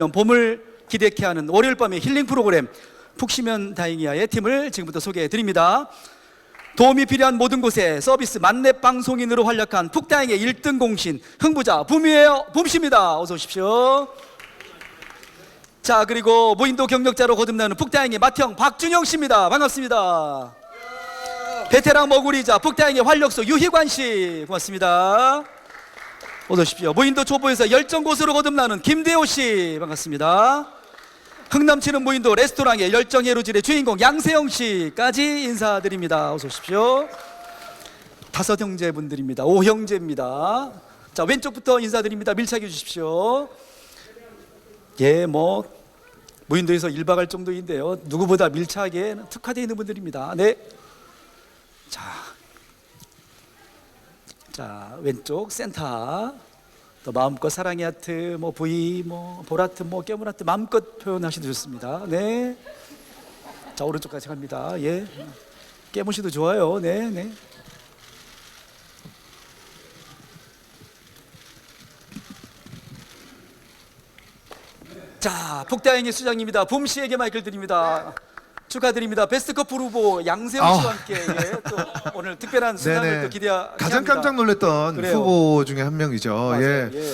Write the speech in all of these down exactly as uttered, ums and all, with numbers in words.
봄을 기대케 하는 월요일 밤의 힐링 프로그램 푹 쉬면 다행이야의 팀을 지금부터 소개해 드립니다. 도움이 필요한 모든 곳에 서비스 만렙 방송인으로 활약한 푹다행의 일 등 공신 흥부자 붐이에요. 붐씨입니다. 어서 오십시오. 자, 그리고 무인도 경력자로 거듭나는 푹다행의 맏형 박준영 씨입니다. 반갑습니다. 베테랑 머구리자 푹다행의 활력소 유희관 씨, 고맙습니다. 어서 오십시오. 무인도 초보에서 열정 고수로 거듭나는 김대호 씨, 반갑습니다. 흥넘치는 무인도 레스토랑의 열정 해루질의 주인공 양세형 씨까지 인사드립니다. 어서 오십시오. 다섯 형제분들입니다. 오 형제입니다. 자, 왼쪽부터 인사드립니다. 밀착해 주십시오. 예, 뭐 무인도에서 일 박 할 정도인데요, 누구보다 밀착에 특화되어 있는 분들입니다. 네. 자, 자 왼쪽 센터. 또 마음껏 사랑의 하트, 뭐 V, 뭐 볼하트, 뭐 깨물 하트 마음껏 표현하셔도 좋습니다. 네. 자, 오른쪽까지 갑니다. 예. 깨무시도 좋아요. 네, 네. 자, 푹다행의 수장입니다. 붐 씨에게 마이크를 드립니다. 축하드립니다. 베스트 커플 후보 양세형 씨와 함께 예, 또 오늘 특별한 수상을 네네. 또 기대합니다. 가장 깜짝 놀랐던 그래요. 후보 중에 한 명이죠. 맞아요. 예. 예.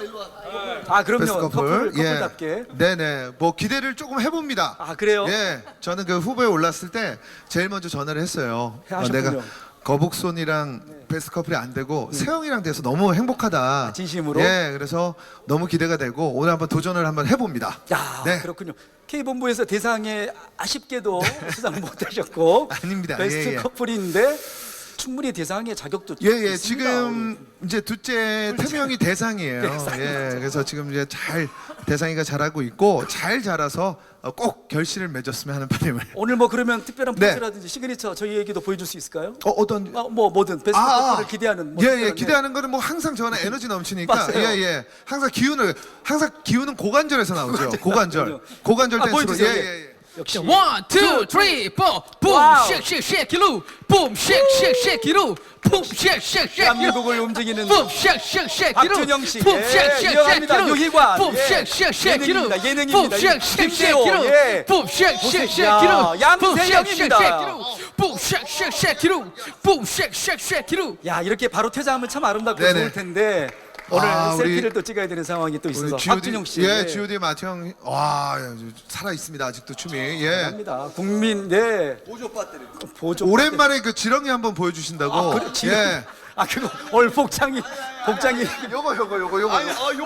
아, 그럼요. 베스트 커플, 커플. 커플답게. 예. 네네. 뭐 기대를 조금 해봅니다. 아, 그래요? 예. 저는 그 후보에 올랐을 때 제일 먼저 전화를 했어요. 어, 하셨군요. 내가 거북손이랑 네. 베스트 커플이 안 되고 세영이랑 돼서 너무 행복하다. 아, 진심으로? 예. 그래서 너무 기대가 되고 오늘 한번 도전을 한번 해봅니다. 야, 네. 그렇군요. K본부에서 대상에 아쉽게도 수상 못하셨고 아닙니다. 베스트 예, 예. 커플인데 충분히 대상의 자격도 예예. 있습니다. 지금 이제 둘째 태명이 대상이에요. 예. 그래서 지금 이제 잘 대상이가 잘하고 있고 잘 자라서 어, 꼭 결실을 맺었으면 하는 바람을. 오늘 뭐 그러면 특별한 네. 포즈라든지 시그니처 저희에게도 보여줄 수 있을까요? 어, 어떤 아, 뭐 뭐든 베스트 커플을 기대하는 뭐 예예 특별한, 기대하는 거는 뭐 항상 저는 에너지 넘치니까 맞아요. 예예 항상 기운을 항상 기운은 고관절에서 나오죠. 고관절 고관절 아, 댄스로 보여주세요. 예예 역시 One, two, three, four. Boom, 와우. shake, shake, shake it loose. Boom, shake, shake, shake it loose. Boom, shake, shake, shake it loose. 대한민국을 움직이는 Boom, shake, shake, shake it loose. 박준영 씨, Boom, 예, shake, shake, shake it 유명합니다. loose. 유희관, Boom, 예. shake, shake, shake it loose. 예능입니다. Boom, 예능입니다. shake, shake, shake 김대호, it loose. 예. Boom, shake, shake, shake 야, it loose. Boom, shake, shake, 양세형입니다. shake it loose. Boom, shake, shake, shake it loose. Boom, shake, shake, shake it loose. 야, 이렇게 바로 퇴장하면 참 아름답고 네네. 좋을 텐데 오늘 아, 우리- 셀피를 또 찍어야 되는 상황이 또 있어서 우리 G O D 박준영 씨, 예 G O D 마태형 와 살아 있습니다 아직도 춤이 예 합니다. 국민 네 보조 배터리 보조 오랜만에 그 지렁이 한번 보여주신다고 아, 그래, 지금 예 아, 그거 오늘 복장이 복장이 요거 요거 요거 요거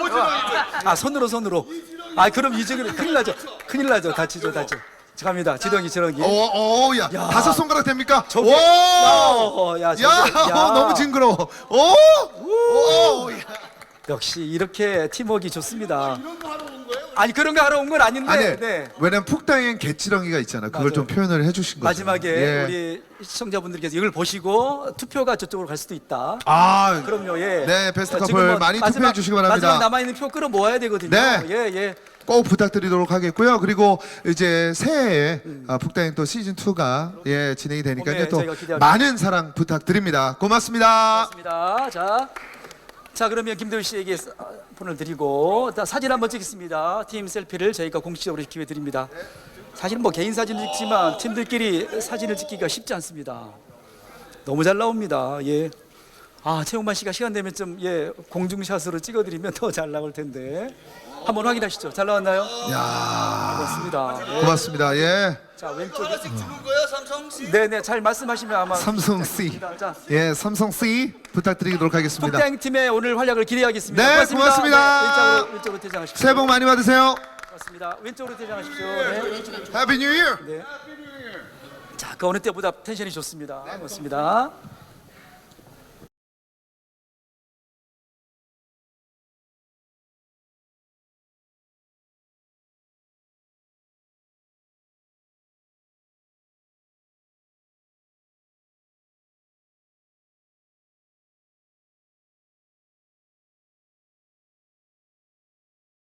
아, 손으로 손으로 아, 그럼 이제는 큰일 나죠. 큰일 나죠. 다치죠, 다치죠. 자, 갑니다. 지렁이 지렁이. 오오야 야. 다섯 손가락 됩니까? 저게- 오! 야, 야, 야, 저게- 야. 너무 징그러워. 오! 오! 야. 역시 이렇게 팀워크가 좋습니다. 아니, 그런 거 하러 온 건 아닌데. 아니, 네. 왜냐면 푹다잉엔 개지렁이가 있잖아. 그걸 맞아요. 좀 표현을 해주신 거죠. 마지막에 예. 우리 시청자분들께서 이걸 보시고 투표가 저쪽으로 갈 수도 있다. 아, 그럼요, 예. 네, 베스트 자, 커플 지금 뭐 많이 마지막- 투표해 주시기 바랍니다. 마지막 남아있는 표 끌어 모아야 되거든요. 네. 예, 예. 꼭 부탁드리도록 하겠고요. 그리고 이제 새해에 아, 푹다잉 또 시즌 투가 예 진행이 되니까요. 봄에 또 저희가 기대합니다. 많은 사랑 부탁드립니다. 고맙습니다. 맞습니다. 자, 자 그러면 김도희 씨에게 사- 폰을 드리고 자, 사진 한번 찍겠습니다. 팀 셀피를 저희가 공식적으로 기회 드립니다. 사실 뭐 개인 사진을 찍지만 팀들끼리 사진을 찍기가 쉽지 않습니다. 너무 잘 나옵니다. 예. 아, 최용만 씨가 시간 되면 좀 예 공중샷으로 찍어드리면 더 잘 나올 텐데 한번 확인하시죠. 잘 나왔나요? 야, 고맙습니다. 예. 고맙습니다. 예, 자, 왼쪽에 네네, 잘 말씀하시면 아마 삼성 C, 자, 예, 삼성 C 부탁드리도록 하겠습니다. 푹다잉 팀의 오늘 활약을 기대하겠습니다. 네, 고맙습니다. 네, 왼쪽으로, 왼쪽으로 퇴장하십시오. 새해 복 많이 받으세요. 고맙습니다. 왼쪽으로 퇴장하십시오. 네. 해피 뉴 이어. 네. 자, 그 어느 때보다 텐션이 좋습니다. 고맙습니다.